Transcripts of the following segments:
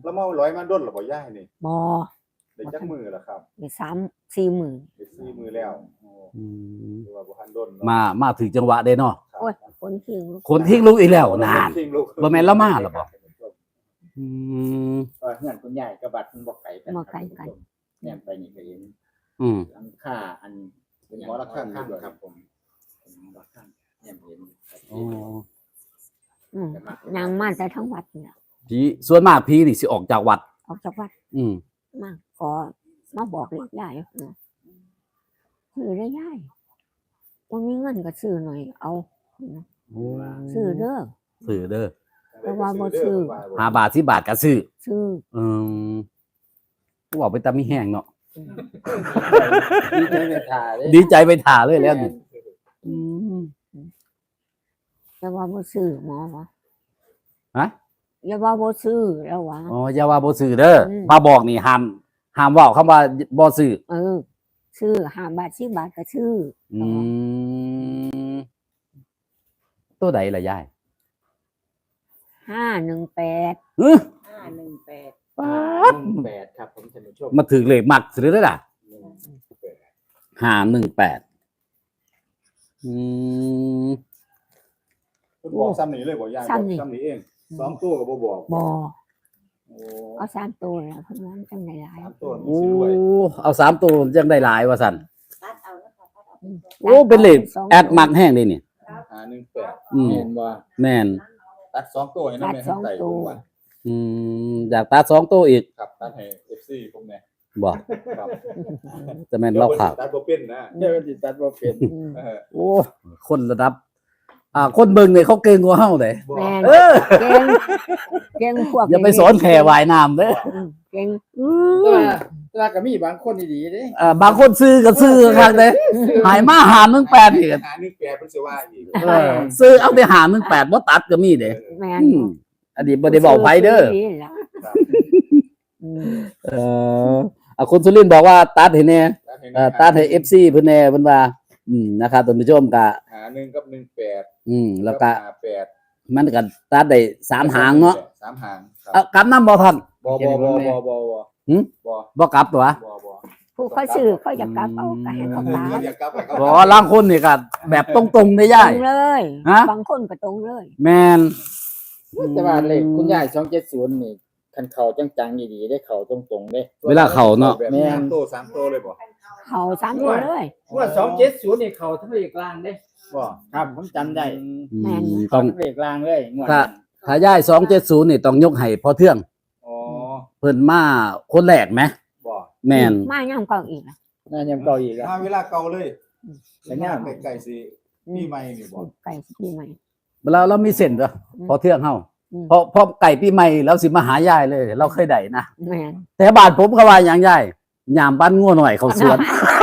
แล้วมาร้อยมาด้นหรอบ่ย่ายนี่บ่ได้จักมือล่ะครับได้3-4 มื้อได้4มือแล้วคือว่าบ่ทันด้นมาถึงจังหวะเด้เนาะโอ้ยคนทิ้งคนทิ้งลูกอีกแล้วนานบ่แม่นละมาหรอบ่เฮือนคุณยายกับบัดมันบ่ไกลกันแนมไปนี่ก็เห็นหลังคาอันเป็นหมอระฆังครับผมหมอระฆังแนมเห็นนางมาแต่ทั้งวัดเนี่ยผีส่วนมากผีนี่สิออกจากวัดออกจากวัด มาก็มาบอกเลขยายซื้อได้ยายบ่มีเงินก็ซื้อหน่อยเอาซื้อเด้อ แต่ว่าบ่ซื้อ 5 บาท10 บาทก็ซื้อซื้อก็บอกไปตามมีแห้งเนาะดีใจไปถ่าเลยดีใจไปถ่าเลยแล้วนี่แต่ว่าบ่ซื้อหมอวะฮะอย่าว่าบ่ซื้อแล้ววะอ๋ออย่าว่าบ่ซื้อเด้อมาบอกนี่ห้ามเว้าคำว่าบ่ซื้อซื้อ5 บาท10 บาทก็ซื้อตัวใดล่ะยาย 518 518ครับผมท่านผู้ชมมาถึงเลขมักซื้อได้ล่ะ518 คุณบอกซ้ำนี่เลยบ่ย่ายซ้ำนี่เอง2ตัวก็บ่บอกบ่เอา3ตัวแล้วเพิ่นว่ามันจังได้หลาย 3ตัวโอ้เอา3ตัวจังได้หลายว่าซั่นตัดเอานะคะตัดเอาโอ้เป็นเลขแอดมักแห้งเด้นี่ 518 เห็นว่าแม่นตัด2ตัวให้นำแม่ทันใจผมว่าอยากตัด2ตัวอีกครับตัดให้ FC ผมแน่บ่ครับจะแม่นเราข่าวตัดบ่เป็นนะเดี๋ยวสิตัดบ่เป็นโอ้คนระดับคนเบิ่งเนี่ยเขาเก่งกว่าเฮาเด้แม่นเออเก่งพวกอย่าไปสอนแค่ว่ายน้ำเด้อเก่งแต่ว่าก็มีบางคนดีๆเด้บางคนซื้อก็ซื้อครับเด้หายมาหา18นี่ก็ 518เพิ่นสิว่าอีกซื้อเอาไปหา18บ่ตัดก็มีเด้แม่นอันนี้บ่ได้บอกไผเด้อคุณสุรินทร์บอกว่าตัดให้แน่ตัดให้ FC เพิ่นแน่เพิ่นว่านะครับท่านผู้ชมก็ 1กับ18 แล้วก็ 58 มันก็ตัดได้3หางเนาะ 3หางครับเอากลับนำบ่ทันบ่บ่กลับตัวผู้เขาซื้อเขาอยากกลับเอาก็ให้เขากลับอยากกลับไปบ่ลางคนนี่ก็แบบตรงๆได้ตย่ารยงเลยฮะบางคนก็ตรงเลยแม่นแต่ว่าเลขคุณยาย270นี่คันเข้าจังๆดีๆได้เข้าตรงๆเด้เวลาเข้าเนาะแม่นตัว3ตัวเลยบ่เขา3ตัวเลยว่า270นี่เข้าทั้งเลขกลางเด้บ่ครับผมจำได้ต้องทั้งเลขกลางเลยงวดถ้าย่าย270นี่ต้องยกให้พ่อเทืองอ๋อเพิ่นมาคนแรกไหมบ่แม่นมาย่ำเก่าอีกนะน่ายังเก่าอีกอ่ะมาเวลาเก่าเลยแล้วเนี่ยใกล้ๆสิปีใหม่นี่บ่ไก่ปีใหม่เรามีเส้นจ้ะพ่อเทืองเฮาพอไก่ปีใหม่แล้วสิมาหายายเลย เราเคยได้นะแม่นแต่บ้านผมก็ว่าหยังยายยามบ้านงัวหน่อยเขาสวน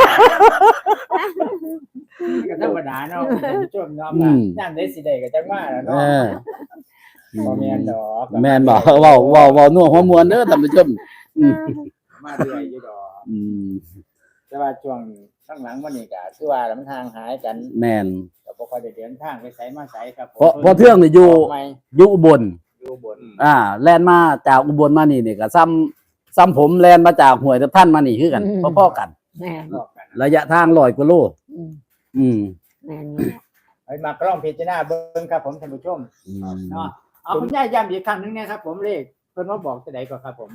ก็ธรรมดาเนาะท่านผู้ชมเนาะย่านได้สิได้ก็จังว่าแหละเอเนาะอบ่แม่นดอกแม่นบ่เว้านัวหัวมวนเด้อท่านผู้ชมมาเรื่อยอยู่ดอก แต่ว่าช่วงข้างหลังวันนี้ก็คือว่ามันทางหายกันแม่นก็บ่ค่อยได้เดินทางไปไสมาไสครับเพราะเทืองนี่อยู่อุบลอยู่บนแล่นมาจากอุบลมานี่ก็ซ้ำผมแล่นมาจากห้วยตะท่านมานี่คือกันพอๆกันแม่นรอบกันระยะทาง100กว่าโลแม่นเฮ้ยมากล้องพิจารณาเบิ่งครับผมท่านผู้ชมเนาะเอาคุณยายย้ำอีกครั้งนึงนะครับผมเลขเพิ่นว่าบอกจะได้ก่อนครับผม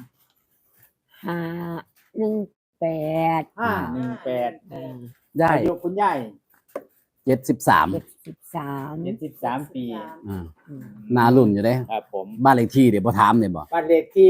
518 518 ได้อายุคุณยาย 73 73ปีนารุ่นอยู่เด้ครับผมบ้านเลขที่เดี๋ยวบ่ถามเนี่ยบ่บ้านเลขที่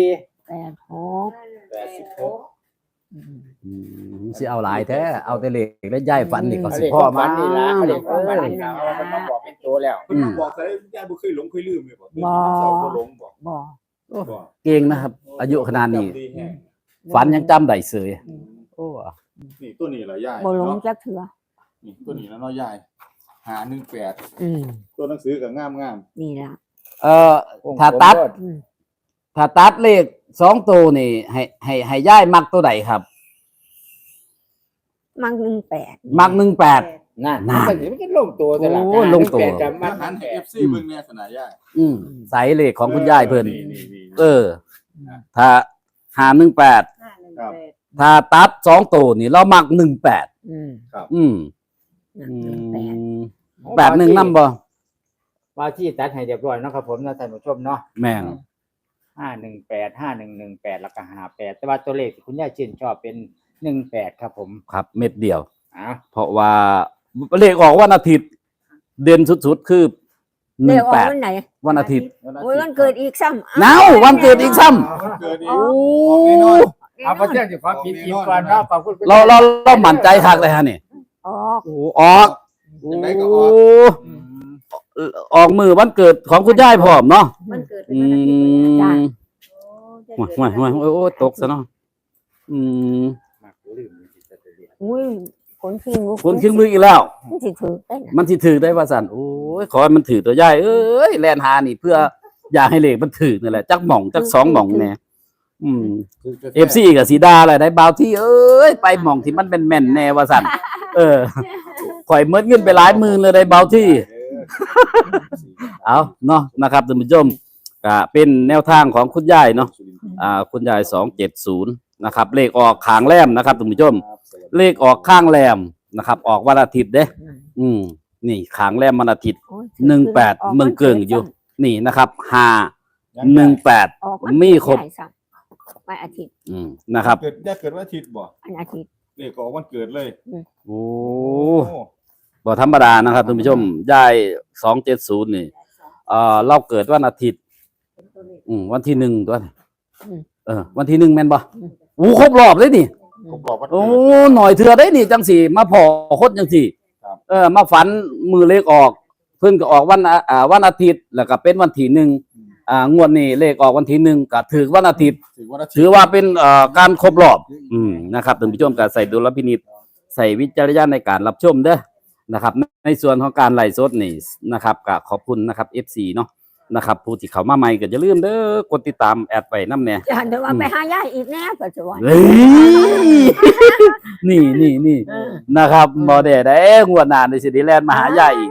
86 สิเอาหลายแท้เอาแต่เลขแล้วย้ายฝันนี่ก็สิเลขพ่อฝัมานนี่ล่ะเลขฝันนี่ล่ะมันมาบอกเป็นตัวแล้วเพิ่นบอกใส่ยายบ่เคยหลงเคยลืมเลยบ่บ่หลงบ่บ่บ่เก่งนะครับ อายุขนาดนี้จำดีแฮะฝันยังจำได้เสยโอ้นี่ตัวนี้เหรอยายบ่หลงจักเทื่อนี่ตัวนี้แล้วเนาะยาย518 อืมตัวหนังสือก็งามนี่ล่ะถ้าตัดเลข2ตัวนี่ให้ย้ายมักตัวใดครับมัก18 มัก18 นั่นมันก็ลงตัวแต่ละโอ้ลงตัวกับๆมัมาน หันให้ FC เบิ่งแน่สนายายใส่เลขของคุณยายเพิ่นนี่เออถ้า518 518 ถ้าตัด2ตัวนี่เรามัก18 อืมอืมแปด 81นำบ่ว่าที่ตัดให้เรียบร้อยเนาะครับผมนะท่านผู้ชมเนาะแม่น 518 5118แล้วก็58แต่ว่าตัวเลขที่คุณยายชื่นชอบเป็น18ครับผมครับเม็ดเดียวอ่ะเพราะว่าเลขออกวันอาทิตย์เด่นสุดๆคือเดี๋ยวออกวันไหน 18วันอาทิตย์โอ้ยวันเกิดอีกซ้ำเอ้าวันเกิดอีกซ้ำวันเกิดอีกโอ้แน่นอนเอาประเทศที่ความผิดทีมก่อนเนาะขอบคุณคุณเรามั่นใจคักเลยฮะนี่ออกโอ้ออกยังไงก็ออกออกมือวันเกิดของคุณยายพร้อมเนาะมันเกิดเป็นอืวันอาทิตย์มโอ้ตกซะเนาะอืมมักลืมสิจะเรียนอุ้ยคนขี้งคนขึ้นมืออีกแล้วมันสิถือได้นะมันสิถือได้ว่าสั่นโอ้ยขอให้มันถือตัวยายเอ้ยแลนหานี่เพื่ออยากให้เลขมันถือนี่แหละจักหม่องจักสองหม่องแน่FC กับสีดาอะไรได้บ่าวที่เอ้ยไปหม่องที่มันเป็นแม่นแน่ว่าสั่นข่อยเมิดเงินไปหลายหมื่นเลยได้บ่าวที่ เอาเนาะนะครับท่านผู้ชมก็เป็นแนวทางของคุณยายเนาะคุณยาย270นะครับเลขออกข้างแรมนะครับท่านผู้ชมเลขออกข้างแรมนะครับออกวันอาทิตย์เด้นี่ข้างแรมวันอาทิตย์โอ้ย 18เมืองเกิงอยู่นี่นะครับ518 ออกมีครบได้ซ้ำวันอาทิตย์นะครับเกิดได้เกิดวันอาทิตย์บ่วันอาทิตย์เลขออกวันเกิดเลยโอ้บ่ธรรมดานะครับท่านผู้ชมยาย270นี่เราเกิดวันอาทิตย์วันที่1ตัวนี่วันที่1แม่นบ่โอ้ครบรอบเลยนี่ผมบอกว่าโอ้หน่อยเถื่อได้นี่จังสี่มาพอคนจังสี่ครับมาฝันมือเลขออกเพิ่นก็ออกวันอาทิตย์แล้วก็เป็นวันที่1งวดนี้เลขออกวันที่1ก็ถือวันอาทิตย์ถือวันอาทิตถืย์อว่าเป็นการครบรอบนะครับท่านผู้ชมก็ใส่ดุลพินิจใส่วิจารณญาณในการรับชมเด้อนะครับในส่วนของการไลฟ์สดนี่นะครับก็ขอบคุณนะครับ FC เนาะนะครับผู้ที่เข้ามาใหม่ก็อย่าลืมเด้อกดติดตามแอดไปน้ำแน่จะเดี๋ยวว่าไปหายายอีกแน่ปัจจุบันเฮ้ยนี่นะครับบอเดได้งวดหน้าในสิริแลนด์มหายายอีก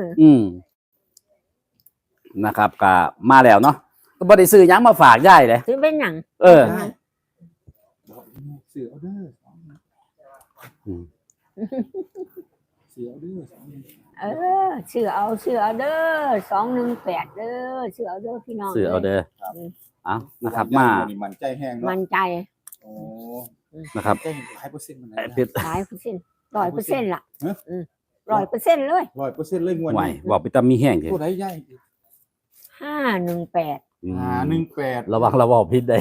นะครับก็มาแล้วเนาะก็บ่ได้ซื้อหยังมาฝากยายเลยซื้อเป็นหนังเสือเอาเด้อเสือเอาเด้อเชื่อเอาเด้อ218เด้อเชื่อเอาเด้อพี่น้องซื้อเอาเด้อเอานะครับมามันใจแห้งมั่เนาะนใจโอ้นะครับใจหลายเปอร์เซ็นต์มันหลายเปอร์เซ็นต์100%ล่ะฮะ 100%เลย 100%เลยงวดไหวนี้บอกไปตามมีแห้งเถผู้อะใดใหญ่ 518 18 ระวังระบอกพิษได้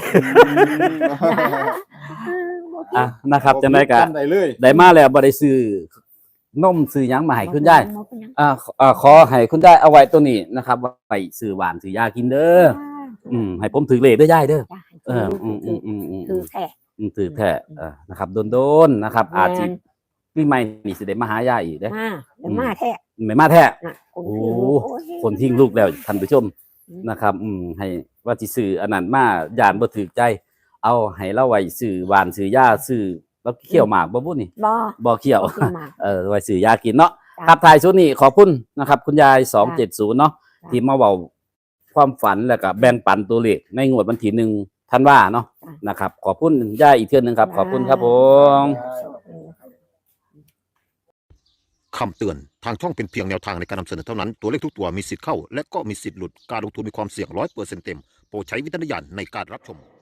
นะครับจังได๋ก็จำได้เลยได้มาแล้วบ่ได้ซื้อนมซื้อหยังมาให้คุณยายขอให้คุณยายเอาไว้ตัวนี้นะครับไปซื้อหวานซื้อยากินเด้อให้ผมถือเลขเด้อยายเด้อคือแท้ถือแท้นะครับโดนๆนะครับ อาจสิปีใหม่นี่สิได้มาหายายอีกเด้อมาแท้ไม่มาแท้น่ะคนทิ้งลูกแล้วท่านผู้ชมนะครับให้ว่าสิซื้ออันนั้นมาย่านบ่ถูกใจ เอาให้เราไว้ซื้อหวานซื้อยาซื้อแล้วเคี่ยวหมากบ่บุนี่ บ่เคี่ยว ไว้ซื้อยากินเนาะครับท้ายสุดนี้ขอบคุณนะครับ คุณยาย270เนาะที่มาเว้าความฝันแล้วก็แบ่งปันตัวเลขในงวดวันที่1ธันวาเนาะนะครับขอบคุณยายอีกเทื่อนึงครับขอบคุณครับผมคำเตือน ทางช่องเป็นเพียงแนวทางในการนำเสนอเท่านั้น ตัวเลขทุกตัวมีสิทธิ์เข้า และก็มีสิทธิ์หลุด การลงทุนมีความเสี่ยง100%เต็ม โปรดใช้วิจารณญาณในการรับชม